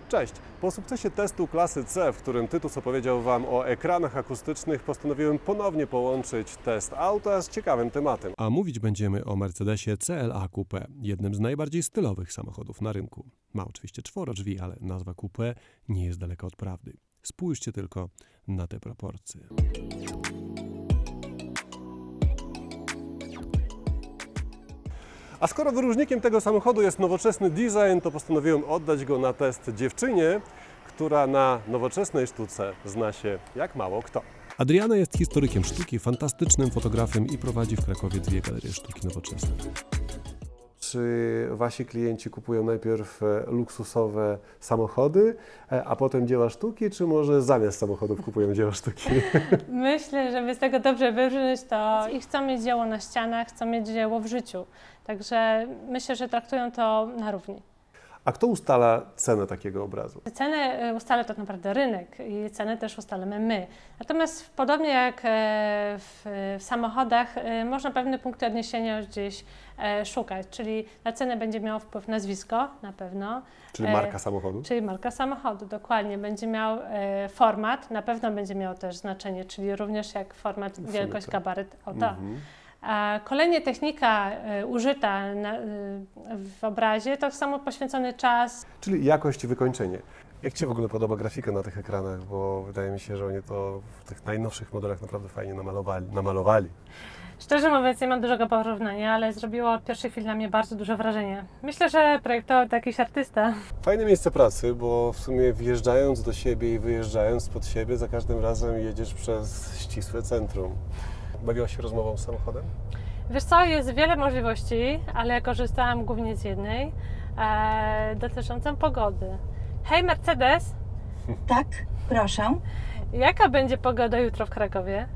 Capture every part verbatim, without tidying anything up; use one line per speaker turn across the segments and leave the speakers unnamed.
Cześć! Po sukcesie testu klasy C, w którym Tytus opowiedział Wam o ekranach akustycznych, postanowiłem ponownie połączyć test auta z ciekawym tematem. A mówić będziemy o Mercedesie C L A Coupe, jednym z najbardziej stylowych samochodów na rynku. Ma oczywiście czworo drzwi, ale nazwa Coupe nie jest daleka od prawdy. Spójrzcie tylko na te proporcje. A skoro wyróżnikiem tego samochodu jest nowoczesny design, to postanowiłem oddać go na test dziewczynie, która na nowoczesnej sztuce zna się jak mało kto. Adriana jest historykiem sztuki, fantastycznym fotografem i prowadzi w Krakowie dwie galerie sztuki nowoczesnej. Czy wasi klienci kupują najpierw luksusowe samochody, a potem dzieła sztuki, czy może zamiast samochodów kupują dzieła sztuki?
Myślę, żeby z tego dobrze wybrzmieć, to i chcą mieć dzieło na ścianach, chcą mieć dzieło w życiu. Także myślę, że traktują to na równi.
A kto ustala cenę takiego obrazu?
Cenę ustala tak naprawdę rynek i cenę też ustalamy my. Natomiast podobnie jak w, w samochodach można pewne punkty odniesienia już gdzieś szukać, czyli na cenę będzie miało wpływ nazwisko na pewno.
Czyli marka samochodu? Czyli
marka samochodu, dokładnie. Będzie miał format, na pewno będzie miał też znaczenie, czyli również jak format, wielkość, gabaryt auta. Mhm. A kolejnie technika y, użyta na, y, w obrazie to samo poświęcony czas.
Czyli jakość i wykończenie. Jak Ci w ogóle podoba grafika na tych ekranach? Bo wydaje mi się, że oni to w tych najnowszych modelach naprawdę fajnie namalowali. namalowali.
Szczerze mówiąc, nie mam dużego porównania, ale zrobiło od pierwszej chwili na mnie bardzo duże wrażenie. Myślę, że projektował to jakiś artysta.
Fajne miejsce pracy, bo w sumie wjeżdżając do siebie i wyjeżdżając spod siebie, za każdym razem jedziesz przez ścisłe centrum. Bawiłaś się rozmową z samochodem?
Wiesz co, jest wiele możliwości, ale ja korzystałam głównie z jednej, e, dotyczącą pogody. Hej Mercedes!
Tak, proszę.
Jaka będzie pogoda jutro w Krakowie?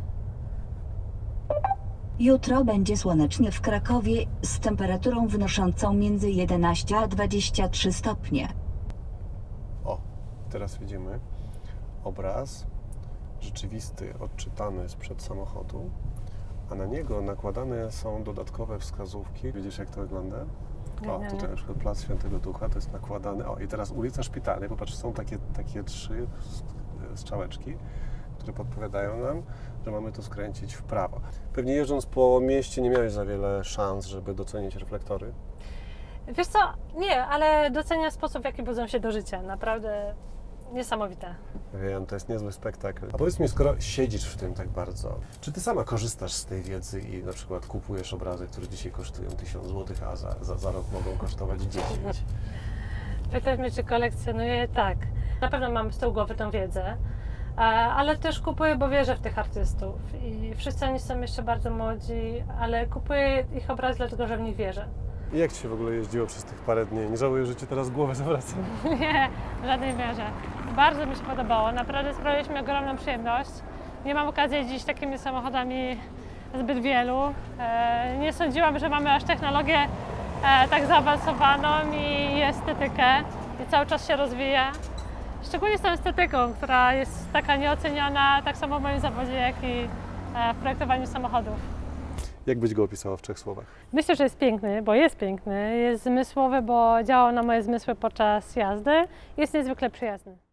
Jutro będzie słonecznie w Krakowie z temperaturą wynoszącą między jedenaście a dwadzieścia trzy stopnie.
O, teraz widzimy obraz rzeczywisty, odczytany sprzed samochodu, a na niego nakładane są dodatkowe wskazówki. Widzisz, jak to wygląda? O, tutaj na przykład Plac Świętego Ducha, to jest nakładane. O, i teraz ulica Szpitalnej, popatrz, są takie, takie trzy strzałeczki, które podpowiadają nam, że mamy tu skręcić w prawo. Pewnie jeżdżąc po mieście nie miałeś za wiele szans, żeby docenić reflektory?
Wiesz co, nie, ale doceniam sposób, w jaki budzą się do życia. Naprawdę niesamowite.
Wiem, to jest niezły spektakl. A powiedz mi, skoro siedzisz w tym tak bardzo, czy ty sama korzystasz z tej wiedzy i na przykład kupujesz obrazy, które dzisiaj kosztują tysiąc złotych, a za, za, za rok mogą kosztować dziesięć?
Pytasz mnie, czy kolekcjonuję? Tak. Na pewno mam z tyłu głowy tą wiedzę, ale też kupuję, bo wierzę w tych artystów. I wszyscy oni są jeszcze bardzo młodzi, ale kupuję ich obrazy dlatego, że w nich wierzę.
I jak Ci się w ogóle jeździło przez tych parę dni? Nie żałuję, że Ci teraz głowę zawracam?
Nie, w żadnej mierze. Bardzo mi się podobało. Naprawdę sprawiliśmy ogromną przyjemność. Nie mam okazji jeździć takimi samochodami zbyt wielu. Nie sądziłam, że mamy aż technologię tak zaawansowaną i estetykę i cały czas się rozwija. Szczególnie z tą estetyką, która jest taka nieoceniona, tak samo w moim zawodzie, jak i w projektowaniu samochodów.
Jak byś go opisała w trzech słowach?
Myślę, że jest piękny, bo jest piękny. Jest zmysłowy, bo działał na moje zmysły podczas jazdy. Jest niezwykle przyjazny.